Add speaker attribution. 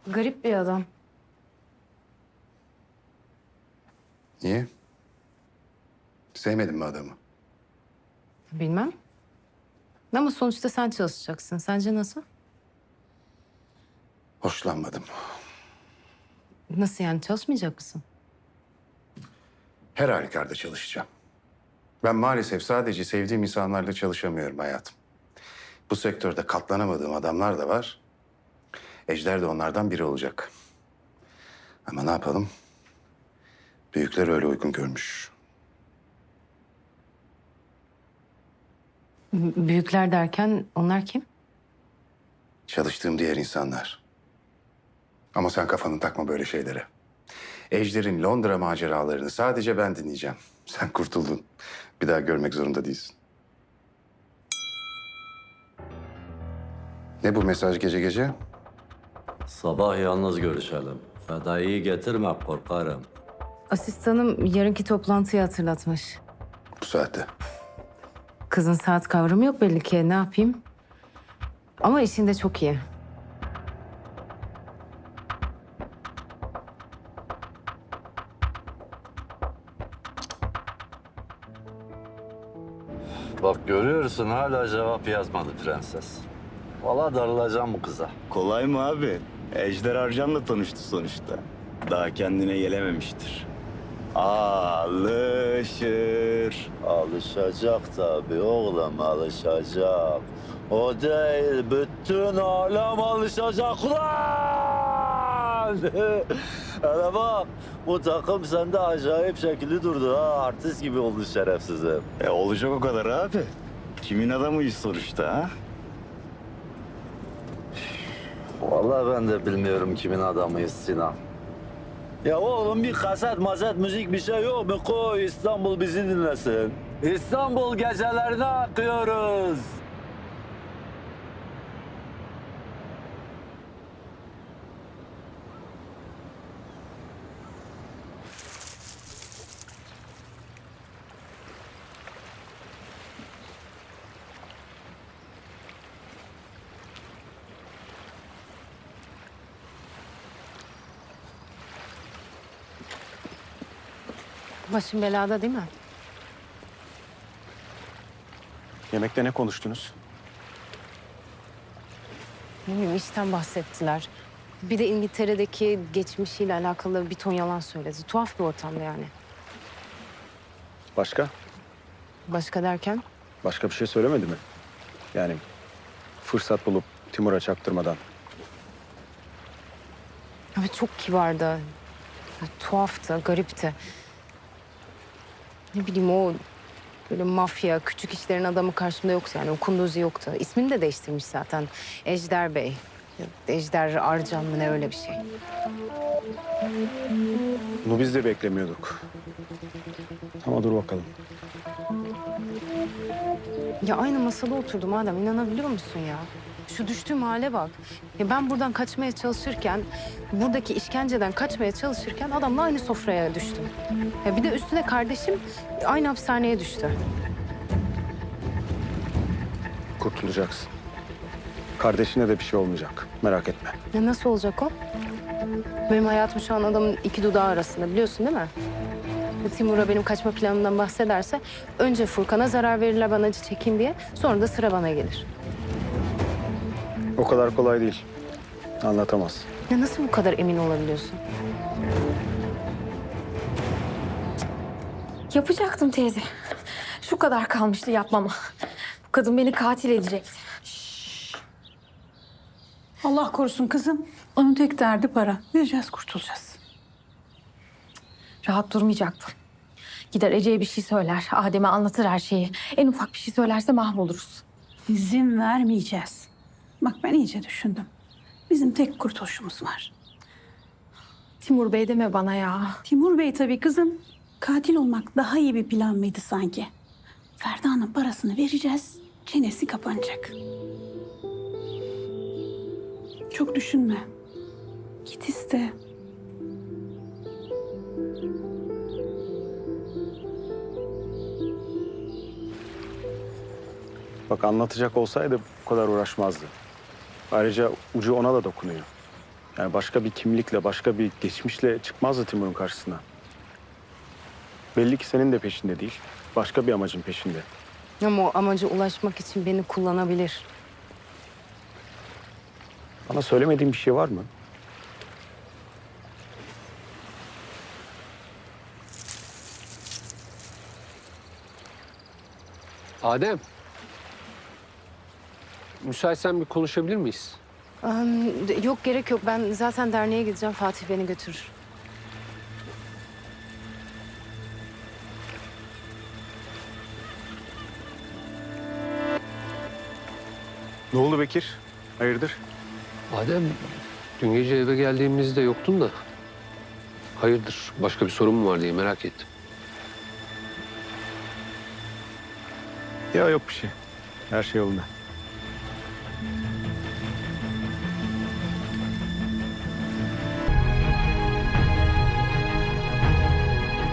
Speaker 1: Garip bir adam.
Speaker 2: Niye? Sevmedin mi adamı?
Speaker 1: Bilmem. Ama sonuçta sen çalışacaksın. Sence nasıl?
Speaker 2: Hoşlanmadım.
Speaker 1: Nasıl yani çalışmayacak mısın?
Speaker 2: Her halükarda çalışacağım. Ben maalesef sadece sevdiğim insanlarla çalışamıyorum hayatım. Bu sektörde katlanamadığım adamlar da var. Ejder de onlardan biri olacak. Ama ne yapalım? Büyükler öyle uygun görmüş.
Speaker 1: Büyükler derken onlar kim?
Speaker 2: Çalıştığım diğer insanlar. Ama sen kafanı takma böyle şeylere. Ejder'in Londra maceralarını sadece ben dinleyeceğim. Sen kurtuldun. Bir daha görmek zorunda değilsin. Ne bu mesaj gece gece?
Speaker 3: Sabah yalnız görüşelim. Fedai'yi getirme korkarım.
Speaker 1: Asistanım yarınki toplantıyı hatırlatmış.
Speaker 2: Bu saatte.
Speaker 1: Kızın saat kavramı yok belli ki. Ne yapayım? Ama işinde çok iyi.
Speaker 3: Bak görüyorsun hala cevap yazmadı prenses. Valla darılacağım bu kıza.
Speaker 4: Kolay mı abi? Ejder Arcan'la tanıştı sonuçta. Daha kendine gelememiştir. Alışır.
Speaker 3: Alışacak tabii oğlum alışacak. O değil bütün alem alışacak ulan! Hele bak bu takım sende acayip şekilli durdu ha. Artist gibi oldu şerefsizim.
Speaker 4: Olacak o kadar abi. Kimin adamıyız sonuçta ha?
Speaker 3: Vallahi ben de bilmiyorum kimin adamıyız Sinan. Ya oğlum bir kaset mazet müzik bir şey yok mu? Koy İstanbul bizi dinlesin. İstanbul gecelerine akıyoruz.
Speaker 1: Başın belada değil mi?
Speaker 5: Yemekte ne konuştunuz?
Speaker 1: Ne bileyim işten bahsettiler. Bir de İngiltere'deki geçmişiyle alakalı bir ton yalan söyledi. Tuhaf bir ortamda yani.
Speaker 5: Başka?
Speaker 1: Başka derken?
Speaker 5: Başka bir şey söylemedi mi? Yani fırsat bulup Timur'a çaktırmadan.
Speaker 1: Evet çok kibardı. Ya, tuhaftı, garipti. Ne bileyim o böyle mafya, küçük işlerin adamı karşımda yoktu yani. O kunduzi yoktu. İsmini de değiştirmiş zaten. Ejder Bey. Ya, Ejder Arcan mı ne öyle bir şey.
Speaker 5: Bunu biz de beklemiyorduk. Ama dur bakalım.
Speaker 1: Ya aynı masada oturdum adam inanabiliyor musun ya? Şu düştüğüm hale bak. Ya ben buradan kaçmaya çalışırken, buradaki işkenceden kaçmaya çalışırken adamla aynı sofraya düştüm. Ya bir de üstüne kardeşim aynı hapishaneye düştü.
Speaker 5: Kurtulacaksın. Kardeşine de bir şey olmayacak. Merak etme.
Speaker 1: Ya nasıl olacak o? Benim hayatım şu an adamın iki dudağı arasında biliyorsun değil mi? Ya Timur'a benim kaçma planımdan bahsederse önce Furkan'a zarar verirler ben acı çekeyim diye sonra da sıra bana gelir.
Speaker 5: O kadar kolay değil. Anlatamaz.
Speaker 1: Ya nasıl bu kadar emin olabiliyorsun?
Speaker 6: Yapacaktım teyze. Şu kadar kalmıştı yapmama. Bu kadın beni katil edecekti.
Speaker 7: Allah korusun kızım. Onun tek derdi para. Vereceğiz, kurtulacağız.
Speaker 6: Rahat durmayacaktım. Gider Ece'ye bir şey söyler. Adem'e anlatır her şeyi. En ufak bir şey söylerse mahvoluruz.
Speaker 7: İzin vermeyeceğiz. Bak ben iyice düşündüm. Bizim tek kurtuluşumuz var.
Speaker 6: Timur Bey deme bana ya.
Speaker 7: Timur Bey tabii kızım. Katil olmak daha iyi bir plan mıydı sanki? Ferda'nın parasını vereceğiz. Çenesi kapanacak. Çok düşünme. Git iste.
Speaker 5: Bak anlatacak olsaydı bu kadar uğraşmazdı. Ayrıca ucu ona da dokunuyor. Yani başka bir kimlikle, başka bir geçmişle çıkmazdı Timur'un karşısına. Belli ki senin de peşinde değil. Başka bir amacın peşinde.
Speaker 1: Ama o amaca ulaşmak için beni kullanabilir.
Speaker 5: Bana söylemediğin bir şey var mı?
Speaker 8: Adem. Müsaitsen bir konuşabilir miyiz?
Speaker 1: Yok gerek yok. Ben zaten derneğe gideceğim. Fatih beni götürür.
Speaker 5: Ne oldu Bekir? Hayırdır?
Speaker 8: Adem, dün gece eve geldiğimizde yoktun da. Hayırdır, başka bir sorun mu var diye merak ettim.
Speaker 5: Ya yok bir şey. Her şey yolunda.